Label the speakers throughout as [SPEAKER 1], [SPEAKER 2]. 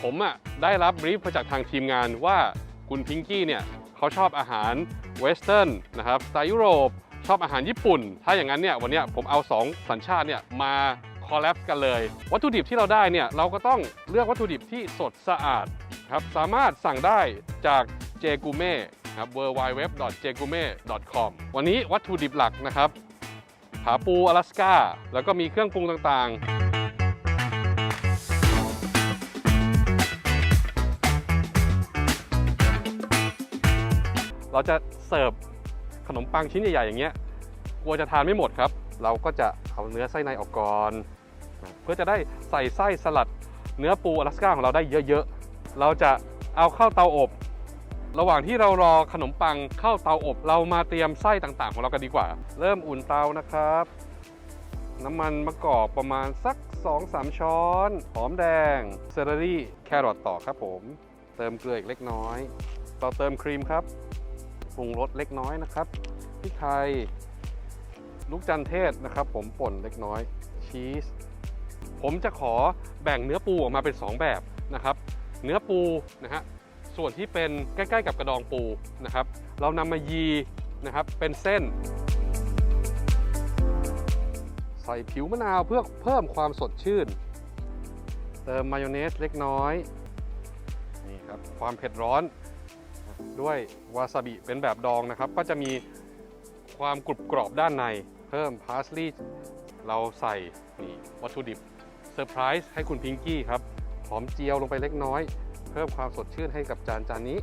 [SPEAKER 1] ผมได้รับบรีฟมาจากทางทีมงานว่าคุณพิงกี้เนี่ยเขาชอบอาหารเวสเทิร์นนะครับสไตล์ยุโรปชอบอาหารญี่ปุ่นถ้าอย่างนั้นเนี่ยวันนี้ผมเอา2สัญชาติเนี่ยมาคอลแลบกันเลยวัตถุดิบที่เราได้เนี่ยเราก็ต้องเลือกวัตถุดิบที่สดสะอาดครับสามารถสั่งได้จาก Jgume ครับ www.jgume.com วันนี้วัตถุดิบหลักนะครับขาปู阿拉斯ก้าแล้วก็มีเครื่องปรุงต่างๆเราจะเสิร์ฟขนมปังชิ้นใหญ่ๆอย่างเงี้ยกลัวจะทานไม่หมดครับเราก็จะเอาเนื้อไส้ในออกก่อนเพื่อจะได้ใส่ไส้สลัดเนื้อปู阿拉斯ก้าของเราได้เยอะๆเราจะเอาเข้าเตาอบระหว่างที่เรารอขนมปังเข้าเตาอบเรามาเตรียมไส้ต่างๆของเรากันดีกว่าเริ่มอุ่นเตานะครับน้ำมันมะกอกประมาณสัก 2-3 ช้อนหอมแดงเซเลอรี่แครอทต่อครับผมเติมเกลืออีกเล็กน้อยต่อเติมครีมครับปรุงรสเล็กน้อยนะครับพริกไทยลูกจันเทศนะครับผมป่นเล็กน้อยชีสผมจะขอแบ่งเนื้อปูออกมาเป็น2แบบนะครับเนื้อปูนะฮะส่วนที่เป็นใกล้ๆกับกระดองปูนะครับเรานำมายีนะครับเป็นเส้นใส่ผิวมะนาวเพื่อเพิ่มความสดชื่นเติมมายองเนสเล็กน้อยนี่ครับความเผ็ดร้อนด้วยวาซาบิเป็นแบบดองนะครับก็จะมีความกรุบกรอบด้านในเพิ่มพาสลีย์เราใส่นี่วัตถุดิบเซอร์ไพรส์ให้คุณพิงกี้ครับหอมเจียวลงไปเล็กน้อยเพิ่มความสดชื่นให้กับจานนี้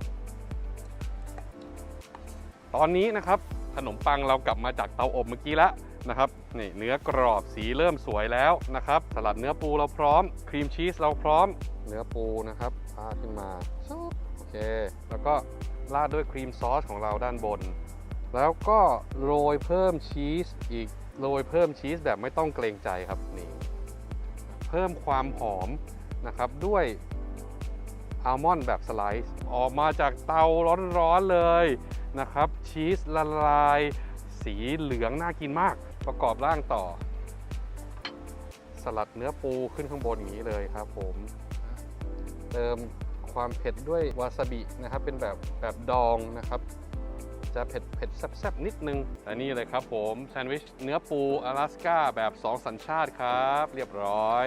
[SPEAKER 1] ตอนนี้นะครับขนมปังเรากลับมาจากเตาอบเมื่อกี้แล้วนะครับนี่เนื้อกรอบสีเริ่มสวยแล้วนะครับสลัดเนื้อปูเราพร้อมครีมชีสเราพร้อมเนื้อปูนะครับพาขึ้นมาโอเคแล้วก็ราดด้วยครีมซอสของเราด้านบนแล้วก็โรยเพิ่มชีสอีกโรยเพิ่มชีสแบบไม่ต้องเกรงใจครับนี่เพิ่มความหอมนะครับด้วยอัลมอนด์แบบสไลซ์ออกมาจากเตาร้อนๆเลยนะครับชีสละลายสีเหลืองน่ากินมากประกอบร่างต่อสลัดเนื้อปูขึ้นข้างบนอย่างนี้เลยครับผมเติมความเผ็ดด้วยวาซาบินะครับเป็นแบบดองนะครับจะเผ็ดแซ่บๆนิดนึงแต่นี่เลยครับผมแซนด์วิชเนื้อปู阿拉斯ก้าแบบ2สัญชาติครับเรียบร้อย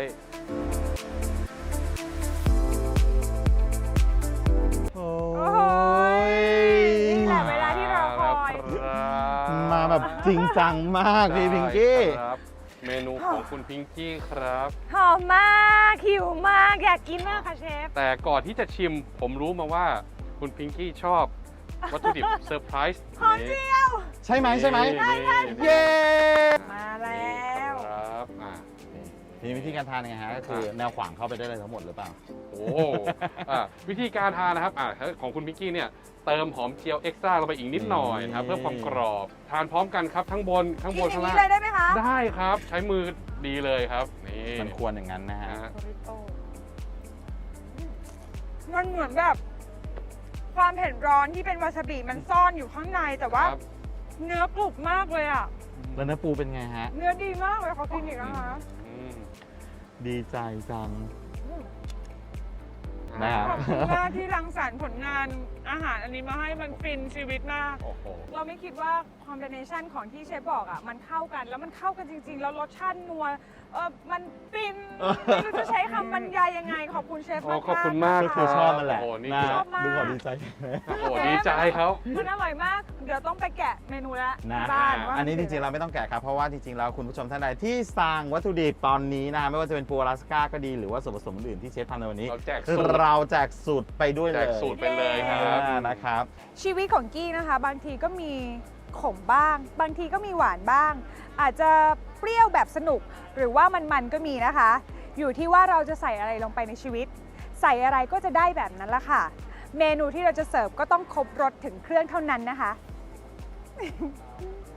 [SPEAKER 2] โอ้ย
[SPEAKER 3] นี่แหละเวลาที่เราคอย
[SPEAKER 2] มาแบบจริงจังมากพี่พิงกี้
[SPEAKER 1] ครับเมนูของคุณพิงกี้ครับ
[SPEAKER 3] หอมมากหิวมากอยากกินมากค่ะเชฟ
[SPEAKER 1] แต่ก่อนที่จะชิมผมรู้มาว่าคุณพิงกี้ชอบวัตถุดิบเซอร์ไพรส์
[SPEAKER 3] หอมเจียว
[SPEAKER 2] ใช่ไหมใช่ไหม
[SPEAKER 1] เย้
[SPEAKER 3] มาแล้ว
[SPEAKER 1] ครับ
[SPEAKER 2] มีวิธีการทานยังไงฮะก็คือแนวขวางเข้าไปได้เลยทั้งหมดหรือเปล่า
[SPEAKER 1] โอ้วิธีการทานนะครับของคุณพิงกี้เนี่ยเติมหอมเจียวเอ็กซ์ตร้าลงไปอีกนิดหน่อยนะครับเพื่อความกรอบทานพร้อมกันครับทั้งบน
[SPEAKER 3] กินอ
[SPEAKER 1] ข้า
[SPEAKER 3] ย่าง ง
[SPEAKER 1] ล่า
[SPEAKER 3] นี้
[SPEAKER 1] ง
[SPEAKER 3] เลยได้ไหมคะ
[SPEAKER 1] ได้ครับใช้มือดีเลยครับนี่
[SPEAKER 2] มันควรอย่างนั้นนะฮะ
[SPEAKER 3] โอริโต้มันเหมือนแบบความเผ็ดร้อนที่เป็นวาซาบิมันซ่อนอยู่ข้างในแต่ว่า
[SPEAKER 1] ครับ
[SPEAKER 3] เนื้อกรุบมากเลยอ่ะ
[SPEAKER 2] แล้วเนื้อปูเป็นไงฮะ
[SPEAKER 3] เนื้อดีมากเลยขอกินอีกนะคะ
[SPEAKER 1] อืม
[SPEAKER 2] ดีใจจัง
[SPEAKER 3] ข
[SPEAKER 2] นะครับ
[SPEAKER 3] อบคุณมากที่รังสรรค์ผลงานอาหารอันนี้มาให้มันฟินชีวิตมาก
[SPEAKER 1] โอ้โห
[SPEAKER 3] เราไม่คิดว่าคอมบิเนชันของที่เชฟบอกอ่ะมันเข้ากันแล้วมันเข้ากันจริงๆ แล้วรสชาตินัวมันฟินไม่รู้จะใช้คำบรรยายยังไง ขอบคุณเชฟ
[SPEAKER 1] โอ้
[SPEAKER 3] มากๆ
[SPEAKER 1] ขอบคุณมาก
[SPEAKER 2] ก็คือชอบมันแหละ
[SPEAKER 1] โอ้นี่
[SPEAKER 2] นะ
[SPEAKER 1] คือ
[SPEAKER 3] ชอบมาก
[SPEAKER 2] ดูก่อนดีใจ
[SPEAKER 1] โอ้โหดีใจเขา
[SPEAKER 3] มันอร่อยมาก เดี๋ยวต้องไปแกะเมนูแล้ว
[SPEAKER 2] นะ
[SPEAKER 3] บ้านว่า
[SPEAKER 2] อันนี้จริงๆเราไม่ต้องแกะครับ เพราะว่าจริงๆแล้วคุณผู้ชมท่านใดที่สั่งวัตถุดิบตอนนี้นะไม่ว่าจะเป็นปู阿拉斯ก้าก็ดีหรือว่าส่วนผสมอื่นๆที่เชฟทำในวันนี้
[SPEAKER 1] เราแจกสูตร
[SPEAKER 2] เราแจกสูตรไปด้วย
[SPEAKER 1] แจ
[SPEAKER 2] เลย
[SPEAKER 1] กสูตรไปเลยครับ
[SPEAKER 2] นะครับ
[SPEAKER 3] ชีวิตของกี้นะคะ บางทีก็มีขมบ้าง บางทีก็มีหวานบ้าง อาจจะเปรี้ยวแบบสนุก หรือว่ามันก็มีนะคะ อยู่ที่ว่าเราจะใส่อะไรลงไปในชีวิต ใส่อะไรก็จะได้แบบนั้นละค่ะ เมนูที่เราจะเสิร์ฟก็ต้องครบรสถึงเครื่องเท่านั้นนะคะ